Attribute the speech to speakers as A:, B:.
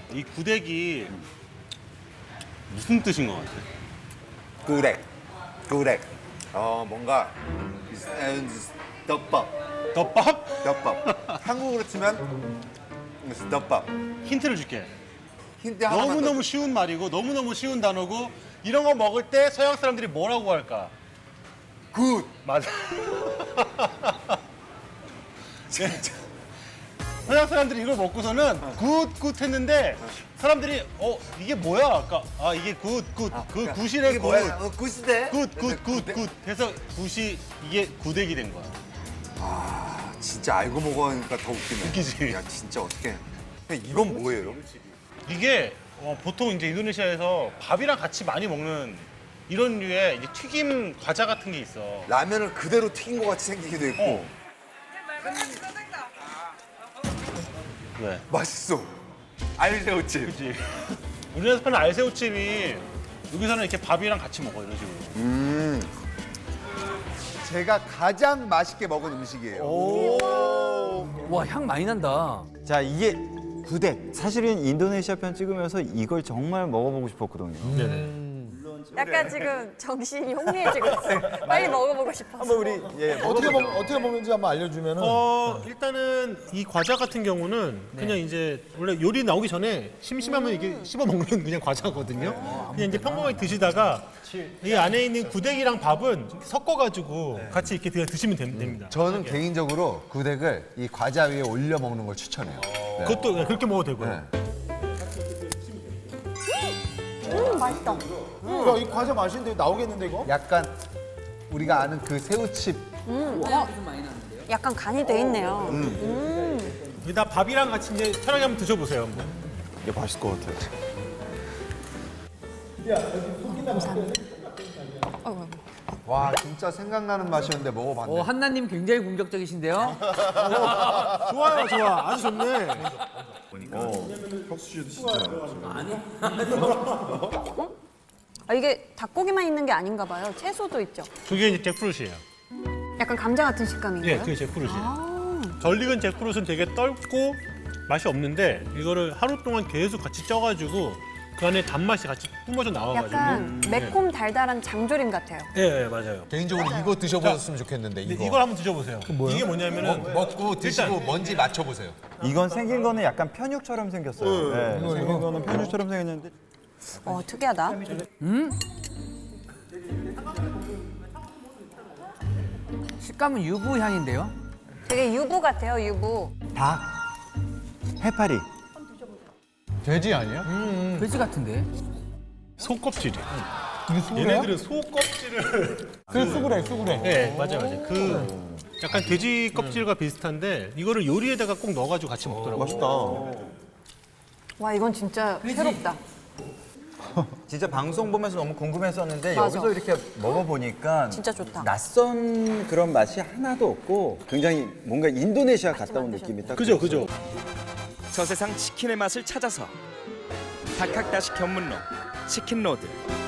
A: 이 구데기 무슨 뜻인 것 같아?
B: 구렉. 뭔가 덮밥.
A: 덮밥?
B: 한국으로 치면 덮밥.
A: 힌트를 줄게.
B: 힌트 하나만 더.
A: 너무너무 쉬운 말이고 너무너무 쉬운 단어고 이런 거 먹을 때 서양 사람들이 뭐라고 할까?
B: 굿.
A: 맞아. 진짜. 서양 사람들이 이걸 먹고서는 굿 했는데 사람들이 이게 뭐야? 아까 이게 굿. 그 굿이래
B: 이게
A: 굿.
B: 뭐야? 굿이대.
A: 굿. 해서 굿이 이게 구데기 된 거야.
B: 진짜 알고 먹으니까 더 웃기네.
A: 웃기지?
B: 야 진짜 어떡해. 근데 이건 뭐예요?
A: 이게 보통 이제 인도네시아에서 밥이랑 같이 많이 먹는 이런 류의 이제 튀김 과자 같은 게 있어.
B: 라면을 그대로 튀긴 것 같이 생기기도 했고
A: 왜?
B: 맛있어. 알새우찜.
A: 그치? 우리나라에서 파는 알새우찜이 여기서는 이렇게 밥이랑 같이 먹어 이런 식으로.
B: 제가 가장 맛있게 먹은 음식이에요.
C: 와, 향 많이 난다.
D: 자, 이게 구덱. 사실은 인도네시아 편 찍으면서 이걸 정말 먹어보고 싶었거든요.
A: 네네.
E: 약간 지금 정신이 혼미해지고 있어요. 빨리 먹어보고 싶어서.
D: 한번 우리
F: 어떻게 먹는지 한번 알려주면은.
A: 일단은 이 과자 같은 경우는 그냥 이제 원래 요리 나오기 전에 심심하면 이게 씹어 먹는 그냥 과자거든요. 그냥 이제 평범하게 드시다가 이 안에 있는 구데기랑 밥은 섞어가지고 같이 이렇게 그냥 드시면 됩니다.
F: 저는 개인적으로 구덱을 이 과자 위에 올려 먹는 걸 추천해요.
A: 그것도 그냥 그렇게 먹어도 되고요.
E: 맛있다.
F: 야, 이 과자 맛있는데 나오겠는데 이거? 약간 우리가 아는 그 새우칩.
E: 약간 간이 돼 있네요.
A: 여기다 밥이랑 같이 이제 편하게 한번 드셔보세요. 한번.
D: 이게 맛있을 것 같아요.
F: 와 진짜 생각나는 맛이었는데 먹어봤네.
C: 한나님 굉장히 공격적이신데요?
A: 좋아요, 좋아. 아주 좋네.
E: 이게 닭고기만 있는 게 아닌가 봐요. 채소도 있죠.
A: 그게 이제 잭프루트예요.
E: 약간 감자 같은 식감인가요?
A: 예, 그게 잭프루트예요. 덜 익은 잭프루트는 되게 떫고 맛이 없는데 이거를 하루 동안 계속 같이 쪄가지고 그 안에 단맛이 같이 뿜어져 나와가지고.
E: 약간 매콤 달달한 장조림 같아요.
A: 예, 맞아요.
F: 개인적으로 이거 드셔보셨으면 좋겠는데
A: 근데
F: 이거.
A: 이걸 한번 드셔보세요. 이게 뭐냐면은
F: 먹고 드시고
A: 일단-
F: 뭔지 맞춰보세요.
D: 이건 생긴 거는 약간 편육처럼 생겼어요. 네, 생긴 거는 편육처럼 생겼는데
E: 특이하다.
C: 식감은 유부 향인데요?
E: 되게 유부 같아요, 유부.
D: 닭, 해파리.
F: 돼지 아니야?
C: 돼지 같은데?
A: 소껍질이에요.
F: 이게 수구레야?
A: 얘네들은 소껍질을.
F: 그 수구레.
A: 네, 맞아요. 그 약간 돼지 껍질과 비슷한데 이거를 요리에다가 꼭 넣어가지고 같이 먹더라고요.
D: 맛있다.
E: 와, 이건 진짜 새롭다.
D: 진짜 방송 보면서 너무 궁금했었는데
E: 맞아.
D: 여기서 이렇게 먹어보니까
E: 진짜 좋다.
D: 낯선 그런 맛이 하나도 없고 굉장히 뭔가 인도네시아 갔다 온 느낌이 딱
A: 그죠.
G: 저 세상 치킨의 맛을 찾아서 닭학다식 견문로 치킨로드